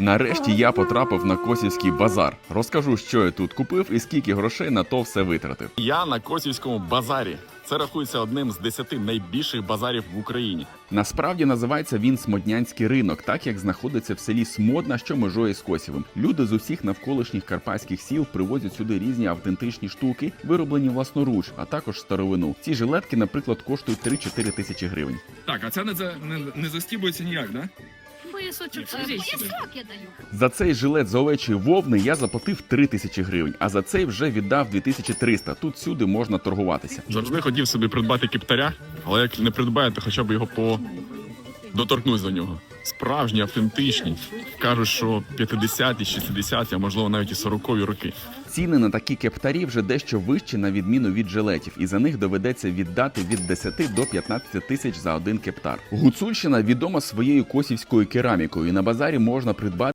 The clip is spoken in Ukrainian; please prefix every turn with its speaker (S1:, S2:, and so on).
S1: Нарешті я потрапив на Косівський базар. Розкажу, що я тут купив і скільки грошей на то все витратив.
S2: Я на Косівському базарі. Це рахується одним з 10 найбільших базарів в Україні.
S1: Насправді називається він Смоднянський ринок, так як знаходиться в селі Смодна, що межує з Косівим. Люди з усіх навколишніх карпатських сіл привозять сюди різні автентичні штуки, вироблені власноруч, а також старовину. Ці жилетки, наприклад, коштують 3-4 тисячі гривень.
S3: Так, а це не застібується ніяк, да?
S4: Поясочок, поясок я даю.
S1: За цей жилет з овечої вовни я заплатив 3 тисячі гривень, а за цей вже віддав 2300. Тут всюди можна торгуватися.
S2: Завжди хотів собі придбати кептаря, але як не придбаю, то хоча б його доторкнусь до нього. Справжні, автентичні. Кажуть, що 50-ті, 60-ті, а можливо навіть і 40-ві роки.
S1: Ціни на такі кептарі вже дещо вищі на відміну від жилетів, і за них доведеться віддати від 10 до 15 тисяч за один кептар. Гуцульщина відома своєю косівською керамікою, і на базарі можна придбати